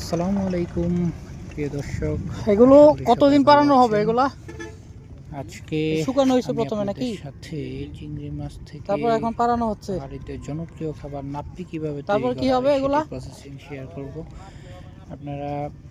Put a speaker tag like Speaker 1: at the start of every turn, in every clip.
Speaker 1: আসসালামু আলাইকুম প্রিয় দর্শক,
Speaker 2: এগুলো কতদিন পারানো হবে? এগুলা
Speaker 1: আজকে
Speaker 2: শুকানো হয়েছে প্রথমে নাকি?
Speaker 1: সাথে চিংড়ি মাছ থেকে
Speaker 2: তারপর এখন পারানো হচ্ছে।
Speaker 1: বাড়িতে জনপ্রিয় খাবার নাপ্পি কিভাবে
Speaker 2: তারপর
Speaker 1: তৈরি
Speaker 2: কি
Speaker 1: করা
Speaker 2: হবে
Speaker 1: হয়
Speaker 2: এগুলা?
Speaker 1: সেটি প্রসেসিং শেয়ার করব। আপনারা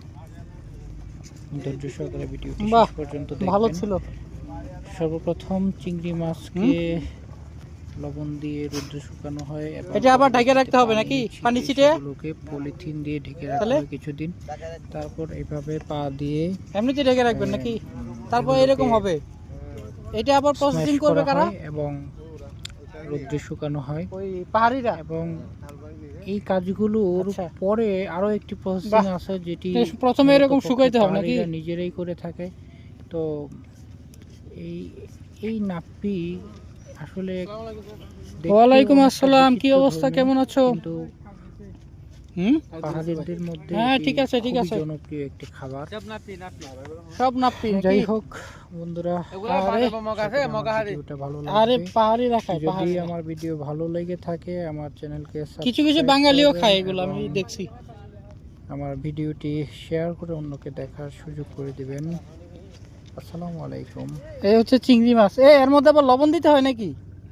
Speaker 1: ধৈর্য সহকারে ভিডিওটি
Speaker 2: বাহ,
Speaker 1: শেষ পর্যন্ত
Speaker 2: ভালো
Speaker 1: দেখবেন।
Speaker 2: ছিল।
Speaker 1: সর্বপ্রথম চিংড়ি মাছকে লবণ দিয়ে রোদ্রে শুকানো হয় এবং
Speaker 2: এটা আবার ঢেকে রাখতে হবে নাকি? পানি ছিটে
Speaker 1: সেগুলোকে পলিথিন দিয়ে ঢেকে রাখতে
Speaker 2: তাহলে
Speaker 1: হয় কিছুদিন। তারপর এইভাবে পা দিয়ে
Speaker 2: এমনিতে ঢেকে রাখবেন নাকি? তারপর এরকম হবে। এটা আবার প্রসেসিং
Speaker 1: স্ম্যাশ
Speaker 2: করবে
Speaker 1: করা
Speaker 2: কারা?
Speaker 1: হয় এবং রোদ্রে শুকানো হয়
Speaker 2: ওই পাহাড়িরা।
Speaker 1: এবং এই কাজগুলোর
Speaker 2: আচ্ছা।
Speaker 1: পরে আরো একটি প্রসেসিং
Speaker 2: বাহ,
Speaker 1: আছে যেটি
Speaker 2: প্রথমে এরকম শুকাইতে হবে নাকি?
Speaker 1: পাহাড়িরা নিজেরাই করে থাকে। তো এই এই নাপ্পি আসলে দেখতেও
Speaker 2: ওয়ালাইকুম
Speaker 1: অনেকটা
Speaker 2: আসসালাম, কি
Speaker 1: বিচিত্র
Speaker 2: অবস্থা,
Speaker 1: ধর্মী,
Speaker 2: কেমন আছো?
Speaker 1: কিন্তু পাহাড়িদের মধ্যে
Speaker 2: হ্যাঁ,
Speaker 1: এটি
Speaker 2: ঠিক আছে, ঠিক
Speaker 1: খুবই
Speaker 2: আছে।
Speaker 1: জনপ্রিয় একটি খাবার।
Speaker 2: সব নাপ্পি
Speaker 1: যাই
Speaker 2: নাকি?
Speaker 1: হোক বন্ধুরা,
Speaker 2: আরে
Speaker 1: ভিডিওটা ভালো
Speaker 2: আরে
Speaker 1: লাগবে।
Speaker 2: পাহাড়িরা খায়,
Speaker 1: যদি
Speaker 2: পাহাড়িরা।
Speaker 1: আমার ভিডিও ভালো লেগে থাকে আমার চ্যানেলকে
Speaker 2: কিছু কিছু
Speaker 1: সাবস্ক্রাইব
Speaker 2: বাঙালিও
Speaker 1: করবেন
Speaker 2: খায় এগুলো, আমি
Speaker 1: এবং
Speaker 2: দেখছি।
Speaker 1: আমার ভিডিওটি শেয়ার করে অন্যকে দেখার সুযোগ করে দিবেন। আসসালামু আলাইকুম।
Speaker 2: এই হচ্ছে চিংড়ি মাছ। এর মধ্যে আবার লবণ দিতে হয় নাকি?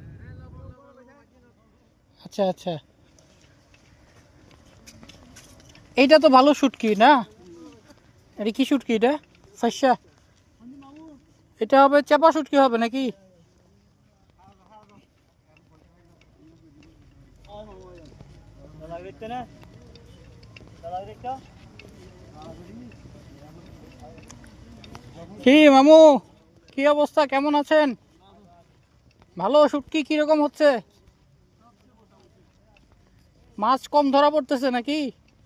Speaker 2: আচ্ছা আচ্ছা, এইটা তো ভালো শুটকি না? এটা কি শুটকি? এটা ফাইসা? এটা হবে চাপা শুটকি হবে নাকি? কি মামু, কি অবস্থা, কেমন আছেন? ভালো। শুটকি কিরকম হচ্ছে? মাছ কম ধরা পড়তেছে নাকি?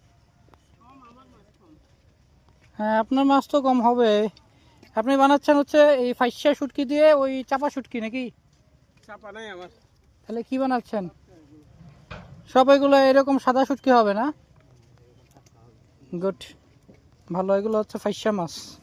Speaker 2: হ্যাঁ, আপনার মাছ তো কম হবে। আপনি বানাচ্ছেন হচ্ছে এই ফাইসা শুটকি দিয়ে ওই চাপা শুটকি নাকি?
Speaker 3: চাপা নাই আমার।
Speaker 2: তাহলে কি বানাচ্ছেন? সব এগুলো এরকম সাদা শুটকি হবে না? গুড, ভালো। এগুলো হচ্ছে ফাইসা মাছ।